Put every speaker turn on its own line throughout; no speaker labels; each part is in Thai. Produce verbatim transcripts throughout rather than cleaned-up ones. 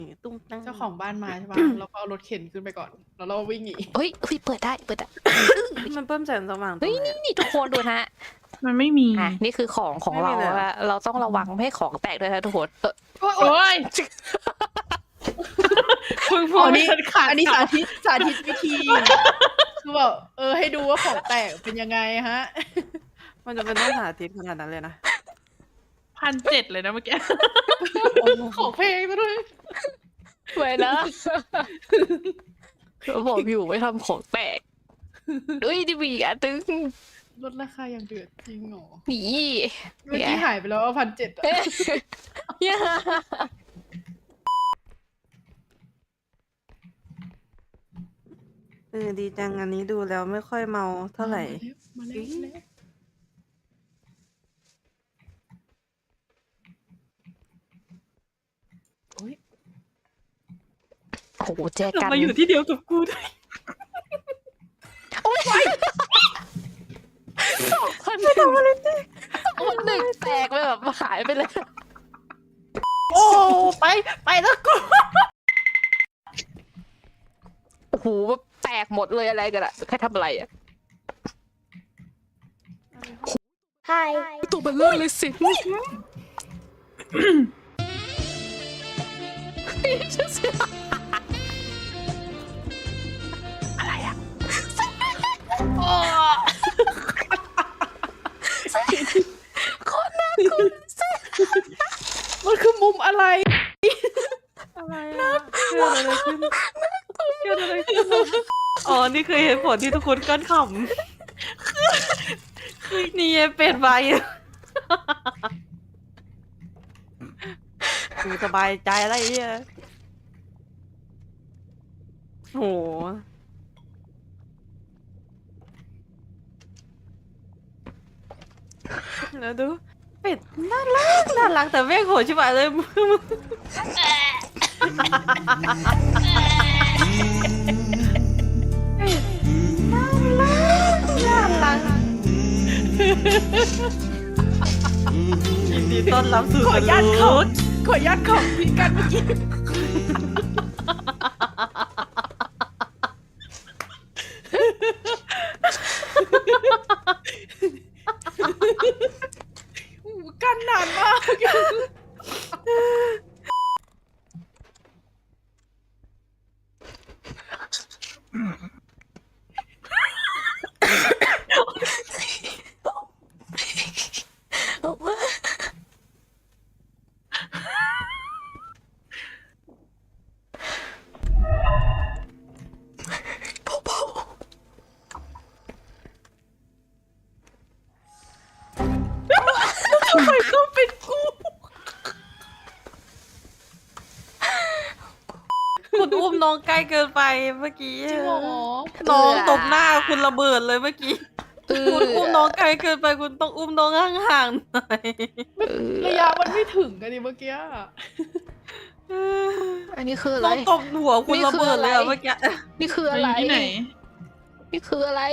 ตุ้มตั้ง
เจ้าของบ้านมาใช่ปะ เราก็เอารถเข็นขึ้นไปก่อนแล้วเราวิ่งหนี
เฮ้ยเฮ้ยเปิดได้เปิดได้
มันเพิ่มแสงสว่างตร
เฮ้ย
งไหน
นี่
อะ
นี่ทุกคนดูนะ
มันไม่มี
อ่ะนี่คือของของ
ไม่
เรา
มีเลยเหรอ
อะเราต้องระวังไม่ให้ของแตกด้วยนะทุกคนเออ
โอ้ย
โอ้ย
เพิ่งพู
อ๋
ด
อนี่อันนี้สาธิตสาธิตวิธีคือแบบเออให้ดูว่าของแตกเป็นยังไงฮะ
มันจะเป็นต้องสาธิตขนาดนั้นเลยนะ
พันเจ็ดเลยนะเมื่อกี้
ของเพลงซะด้วย
สวยนะเราบอกอยู่ไม่ทำของแตกเฮ้ยดิบีอ่ะตึง
ลดราคาอย่างเดือดจริงเหรอ
นี่
เมื่อกี้หายไปแล้วพันเจ็ดอะ
เอ๊ะเนี่ย
เออดีจังอันนี้ดูแล้วไม่ค่อยเมาเท่าไหร่
มาแล้วมาแล้วโอ้ย
โอ้โหแจ
เรา
กัน
มาอยู่ที่เดียวกับกูด้วย
คนหนึ่งคนหนึ่งแตกไปแบบหายไปเลย
โอ้ไปไปแล้วกู
โอ้โหแตกหมดเลยอะไรกันอะใครทำอะไรอะ
Hi.
ตัวเบลเลอร์เลยสิอะไรอะคนน่ากลัวสิ
มันคือมุมอะไร
อะไรอะเกิดอะไรขึ้นเกิดอะไรขึ้นอ๋อนี่คือเหตุผลที่ทุกคนก้นขำคือนี่ไงเป็ดใบกูสบายใจอะไรเนี่ยโหแล้วดูเป็ดน่ารักน่ารักแต่แม่งโหดชิบหายเลยมึง น่ารักยินดีต้อนรับสู่
ขออนุญาตขอขออนุญาตของพี่กันเมื่อกี้โอ้โหกันนานมาก ทำไมต้องเป็นกู
คุณอุ้มน้องใกล้เกินไปเมื่อกี้
จริงเหรอ
น้องตบหน้าคุณระเบิดเลยเมื่อกี้
เออ
คุณอุ้มน้องไกลเกินไปคุณต้องอุ้มน้องห่างๆหน่อย
เออ
ระยะมันไม่ถึงกันดิเมื่อกี้
อันนี้คืออะไร
น้องตบหัวคุณ
นี่
ระ
คือ
เบิดเลยอะ
อะไร
เมื่อกี้
นี่คืออะไร
ที่ไหน
นี่คืออะไร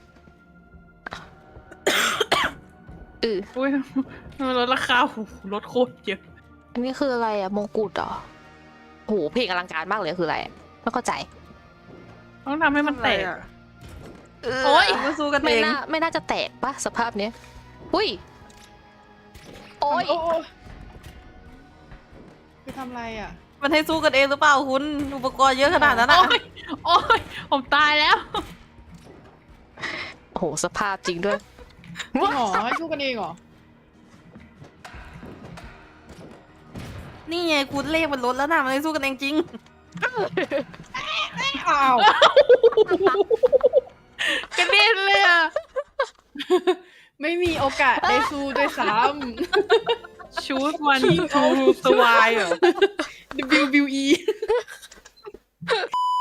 เออ
อุ้ยมันลดราคาโอ้โหลดโคตรเยอะ
อันนี้คืออะไรอะมงกุฎเหรอโหเพลงอลังการมากเลยคืออะไรอะไม่เข้าใจ
ต้องทำให้มันแตก
ทำอะไรอะ
โอ้ย
มาสู้กันเอ
ไม่
ง
น่าไม่น่าจะแตกปะสภาพเนี้ยอุ้ยโอ้ย
โอ้คือทำอะไรอ่ะ
มันให้สู้กันเองหรือเปล่าคุณอุปกรณ์เยอะขนาดนั้นอะ
โอ้ยโอ้ยผมตายแล้ว
โอ้โหสภาพจริงด้วย
จริงเหรอให้สู้กันเองเหรอ
นี่ไงคุณเลขมันลดแล้วนะมันให้สู้กันเองจริง
อ้าว
กระเด็นเลยอ่ะ
ไม่มีโอกาสได้สู้ด้วยซ้
ชูดวันทูสวายเหรอ
ำ ดับเบิลยู ดับเบิลยู อี